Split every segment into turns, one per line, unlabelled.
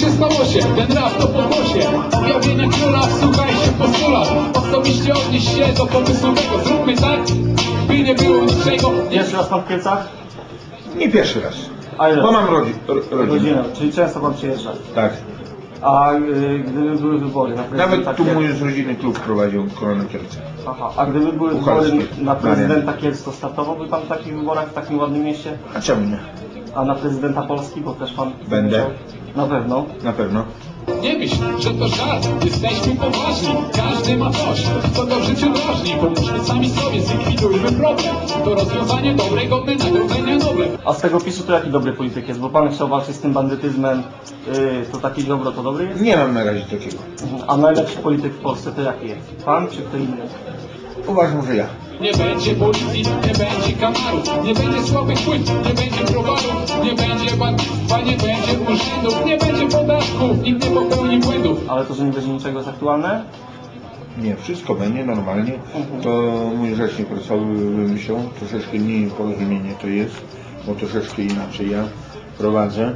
się stało się, ten rap to pokłosie. Objawienia króla, wsłuchajcie w postulat. Osobiście odnieść się do pomysłu tego. Zróbmy tak, by nie było niczego.
Pierwszy raz pan w Kielcach?
Nie pierwszy raz.
A ile?
Bo mam rodzinę.
Rodzinę, czyli często pan przyjeżdża.
Tak.
A gdyby były wybory na prezydenta
Nawet tu
Kielc...
mój z rodziny klub prowadził Korona Kielce.
Aha, a gdyby były wybory
Pucharski.
na prezydenta Kielc, to startowałby pan w takich wyborach w takim ładnym mieście?
A czemu nie?
A na prezydenta Polski, bo też pan...
Będę.
Na pewno.
Na pewno.
Nie myśl, że to żart, jesteśmy poważni. Każdy ma coś, co go w życiu drażni. Pomóżmy sami sobie, zlikwidujmy problem. To rozwiązanie dobre, godne nagrodzenia nowe.
A z tego PiSu to jaki dobry polityk jest? Bo pan chciał walczyć z tym bandytyzmem, to taki dobro to dobry jest?
Nie mam na razie takiego.
A najlepszy polityk w Polsce to jaki jest? Pan czy kto inny?
Uważam, że ja.
Nie będzie policji, nie będzie kamarów, nie będzie słabych płyt, nie będzie browarów, nie będzie bankstwa, nie będzie urzędów, nie będzie podatków, nikt nie popełni błędów.
Ale to, że nie będzie niczego jest aktualne?
Nie, wszystko będzie normalnie. To mój rzecznik prasowy wymyślał. Troszeczkę mniej porozumienie to jest, bo troszeczkę inaczej ja prowadzę.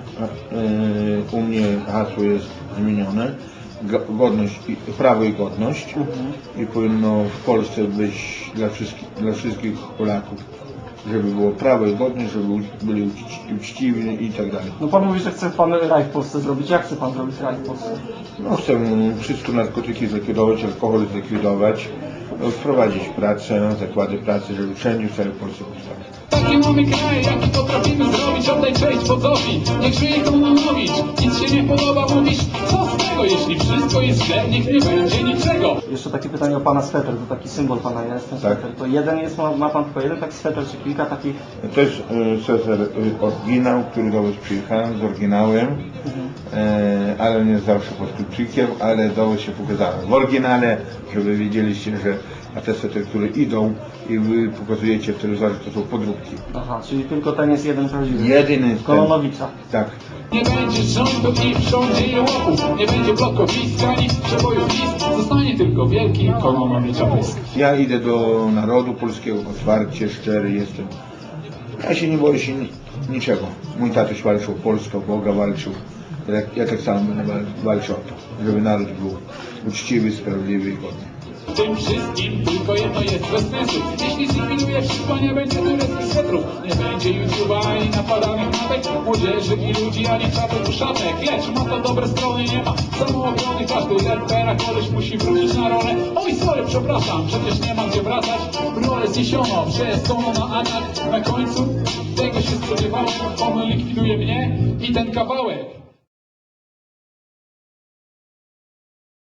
U mnie hasło jest zmienione. Godność, prawo i godność. I powinno w Polsce być dla wszystkich Polaków, żeby było prawo i godność, żeby byli uczciwi i tak dalej.
No pan mówi, że chce pan raj w Polsce zrobić. Jak chce pan zrobić raj w Polsce?
No, chcę wszystko narkotyki zlikwidować, alkohol zlikwidować, wprowadzić pracę, zakłady pracy, żeby wszędzie w całej Polsce powstały.
Taki mamy kraj, jaki potrafimy zrobić, oddaj cześć wodzowi, niech żyje Kononowicz. Nic się nie podoba, mówisz, co z tego, jeśli wszystko jest źle, niech nie będzie niczego.
Jeszcze takie pytanie o pana sweter, to taki symbol pana jest, ten
Tak.
sweter. To jeden jest, ma pan tylko jeden taki sweter, czy kilka takich?
To jest oryginał, który do Was przyjechałem z oryginałem, ale nie zawsze pod kluczykiem, ale do Was się pokazałem w oryginale, żeby wiedzieliście, że a te sety, które idą i Wy pokazujecie w telewizorze, to są podróbki.
Aha, czyli tylko ten jest jeden prawdziwy.
Jedyny ten.
Kononowicza.
Tak.
Nie będzie rządu i w rządzie jełopów, nie będzie blokowiska, nic przebojów list, zostanie tylko wielki Kononowicza pysk.
Ja idę do narodu polskiego, otwarcie, szczery jestem. Ja się nie boję się niczego. Mój tatuś walczył o Polskę, o Boga walczył. Ja tak samo będę walczył o to, żeby naród był uczciwy, sprawiedliwy i godny.
W tym wszystkim tylko jedno jest bez sensu. Jeśli zlikwiduje wszystko, nie będzie tureckich swetrów, nie będzie YouTube'a ani napadanych matek, młodzieży i ludzi, ani czapek uszatek. Lecz ma to dobre strony, nie ma samoobrony. Każdy rapera koleś musi wrócić na rolę. Oj, sorry, przepraszam, przecież nie ma gdzie wracać. Rolę zniesiono, przejeżdżono na atak. Na końcu tego się spodziewałem, on likwiduje mnie i ten kawałek.